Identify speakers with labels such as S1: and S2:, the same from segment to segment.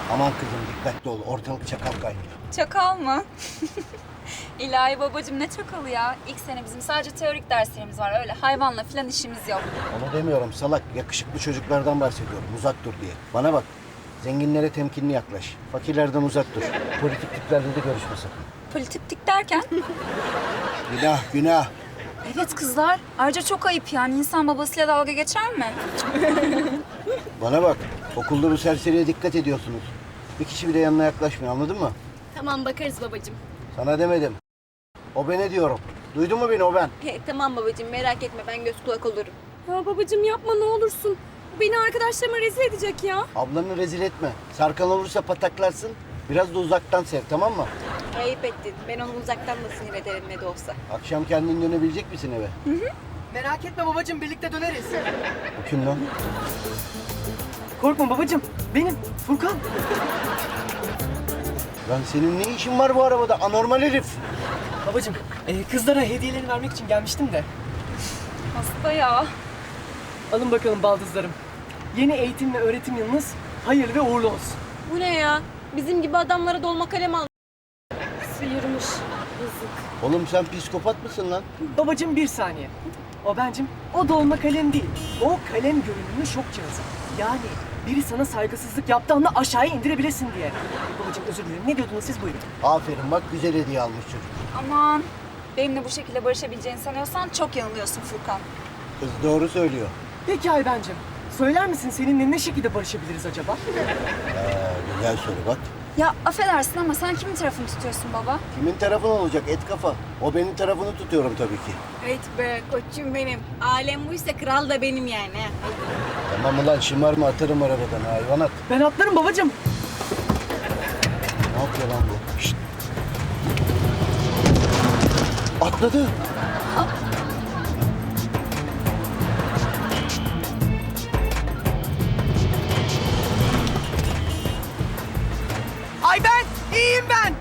S1: Aman kızım dikkatli ol. Ortalık çakal kaynıyor.
S2: Çakal mı? İlahi babacığım ne çakalı ya? İlk sene bizim sadece teorik derslerimiz var. Öyle hayvanla falan işimiz yok.
S1: Onu demiyorum salak. Yakışıklı çocuklardan bahsediyorum. Uzak dur diye. Bana bak. Zenginlere temkinli yaklaş. Fakirlerden uzak dur. Politik tiplerle de görüşme sakın.
S2: Politik derken?
S1: Günah günah.
S2: Evet kızlar. Ayrıca çok ayıp yani. İnsan babasıyla dalga geçer mi?
S1: Bana bak. Okulda bu serseriye dikkat ediyorsunuz. Bir kişi bile yanına yaklaşmıyor, anladın mı?
S3: Tamam bakarız babacığım.
S1: Sana demedim. O bene diyorum. Duydun mu beni, o ben?
S3: Tamam babacığım merak etme ben göz kulak olurum.
S4: Ya babacığım yapma ne olursun. Bu beni arkadaşlarıma rezil edecek ya.
S1: Ablanı rezil etme. Sarkan olursa pataklarsın. Biraz da uzaktan sev, tamam mı?
S3: Ayıp ettin. Ben onu uzaktan da sinir ederim ne de olsa.
S1: Akşam kendin dönebilecek misin eve?
S5: Merak etme babacığım, birlikte döneriz.
S1: Bu kim lan?
S5: Korkma babacığım, benim Furkan.
S1: Lan senin ne işin var bu arabada? Anormal herif.
S5: Babacığım, kızlara hediyelerini vermek için gelmiştim de.
S2: Hasta ya.
S5: Alın bakalım baldızlarım. Yeni eğitim ve öğretim yılınız hayırlı ve uğurlu olsun.
S3: Bu ne ya? Bizim gibi adamlara dolma kalem al.
S4: Sıyırmış. Yazık.
S1: Oğlum sen psikopat mısın lan?
S5: Babacığım bir saniye. O bencim, o dolma kalem değil. O kalem görünümlü şok cihazı. Yani biri sana saygısızlık yaptığında aşağıya indirebilesin diye. Babacığım özür dilerim. Ne diyordunuz siz, buyurun.
S1: Aferin bak, güzel hediye almış çocuk.
S2: Aman. Benimle bu şekilde barışabileceğini sanıyorsan çok yanılıyorsun Furkan.
S1: Kız doğru söylüyor.
S5: Peki Aybencim, söyler misin seninle ne şekilde barışabiliriz acaba?
S1: Güzel soru bak.
S2: Ya affedersin ama sen kimin tarafını tutuyorsun baba?
S1: Kimin tarafın olacak et kafa? O benim tarafını tutuyorum tabii ki.
S3: Evet be koçum benim. Alem buysa kral da benim yani.
S1: Tamam ulan şımarma, atarım arabadan hayvanat.
S5: Ben atlarım babacığım.
S1: Ne yapıyor lan bu? Şşt. Atladı.
S5: Ay ben, iyiyim ben.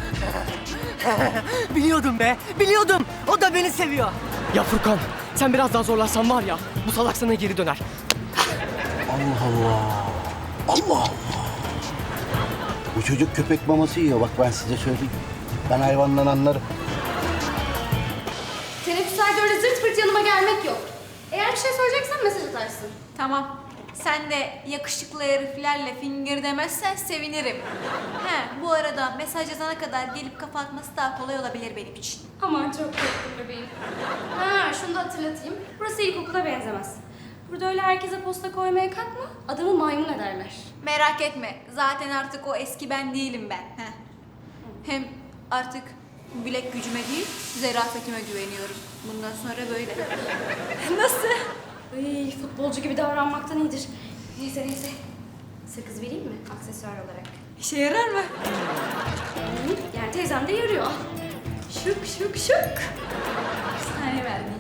S5: Biliyordum be, biliyordum. O da beni seviyor. Ya Furkan, sen biraz daha zorlarsan var ya, bu salak sana geri döner.
S1: Allah Allah. Allah Allah. Bu çocuk köpek maması yiyor, bak ben size söyleyeyim. Ben hayvandan anlarım.
S4: Teneffüslerde öyle zırt pırt yanıma gelmek yok. Eğer bir şey söyleyeceksen mesaj atarsın.
S3: Tamam. Sen de yakışıklı heriflerle fingir demezsen sevinirim. He, bu arada mesaj yazana kadar gelip kafa atması daha kolay olabilir benim için.
S4: Aman çok korktum bebeğim. Ha şunu da hatırlatayım. Burası ilkokula benzemez. Burada öyle herkese posta koymaya kalkma. Adamı maymun ederler.
S3: Merak etme. Zaten artık o eski ben değilim ben. Heh. Hem artık bilek gücüme değil, zerafetime güveniyorum. Bundan sonra böyle. Nasıl?
S4: Ay, futbolcu gibi davranmaktan iyidir. Neyse neyse. Sakız vereyim mi aksesuar olarak?
S3: İşe yarar mı?
S4: Yani teyzem de yarıyor. Al. Şık şık şık.
S3: Bir tane vermeyeyim.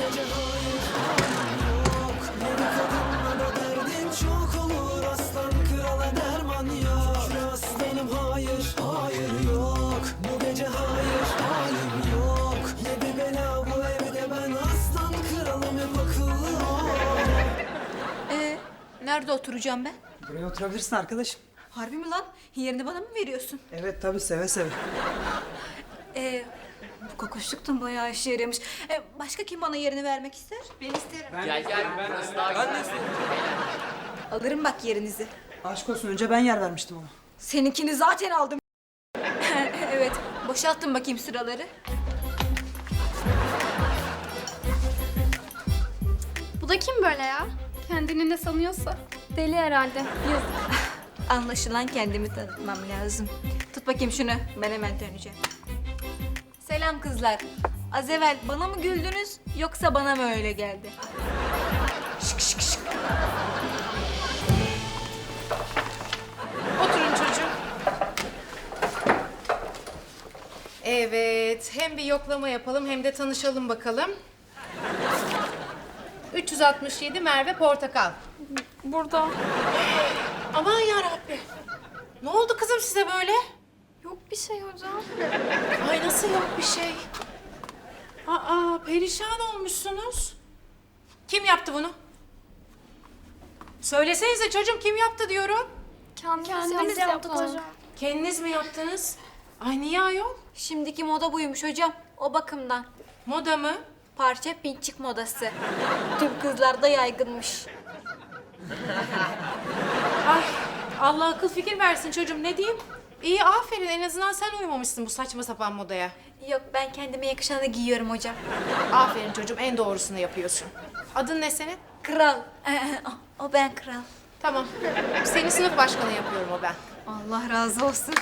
S6: Çok olur aslan krala derman yok. Aslanım hayır, hayır yok. Bu gece hayır, halim yok. Ne bir bela bu evde, ben aslan kralım, hep akıllı ol.
S3: Nerede oturacağım ben?
S7: Buraya oturabilirsin arkadaşım.
S3: Harbi mi lan? Yerini bana mı veriyorsun?
S7: Evet tabii, seve seve.
S3: Bu kokoşluktan bayağı işe yaramış. Başka kim bana yerini vermek ister? Ben isterim. Alırım bak yerinizi.
S7: Aşk olsun, önce ben yer vermiştim ama.
S3: Seninkini zaten aldım. Evet, boşalttım bakayım sıraları.
S4: Bu da kim böyle ya? Kendini ne sanıyorsa. Deli herhalde. Yazık.
S3: Anlaşılan kendimi tanıtmam lazım. Tut bakayım şunu, ben hemen döneceğim. Selam kızlar. Az evvel bana mı güldünüz yoksa bana mı öyle geldi? Şık şık şık.
S8: Oturun çocuğum. Evet, hem bir yoklama yapalım hem de tanışalım bakalım. 367 Merve Portakal.
S4: Burada.
S8: Aman yarabbi. Ne oldu kızım size böyle?
S4: Yok bir şey hocam.
S8: Ay nasıl yok bir şey? Aa, perişan olmuşsunuz. Kim yaptı bunu? Söylesenize çocuğum, kim yaptı diyorum.
S4: Kendimiz yaptık hocam.
S8: Kendiniz mi yaptınız? Ay niye ayol?
S3: Şimdiki moda buymuş hocam. O bakımdan.
S8: Moda mı?
S3: Parça pinçik modası. Tüm kızlarda yaygınmış.
S8: Ay Allah akıl fikir versin çocuğum, ne diyeyim? İyi, aferin, en azından sen uymamışsın bu saçma sapan modaya.
S3: Yok, ben kendime yakışanı giyiyorum hocam.
S8: Aferin çocuğum, en doğrusunu yapıyorsun. Adın ne senin?
S3: Kral. O ben kral.
S8: Tamam. Seni sınıf başkanı yapıyorum o ben.
S3: Allah razı olsun.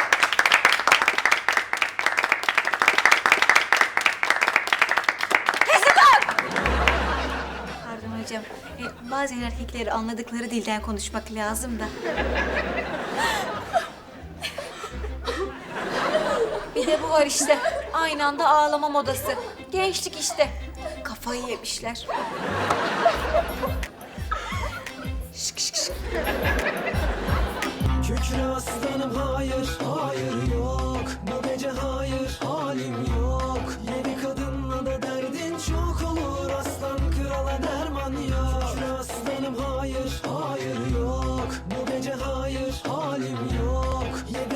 S3: Pardon hocam. Bazen erkekleri anladıkları dilden konuşmak lazım da. Bir de bu var işte. Aynı anda ağlama modası. Gençlik işte. Kafayı yemişler. Şık şık şık.
S6: Kükre aslanım hayır, hayır yok. Bu gece hayır, halim yok. Yedi kadınla da derdin çok olur. Aslan krala derman yok. Kükre aslanım hayır, hayır yok. Bu gece hayır, halim yok. Yedi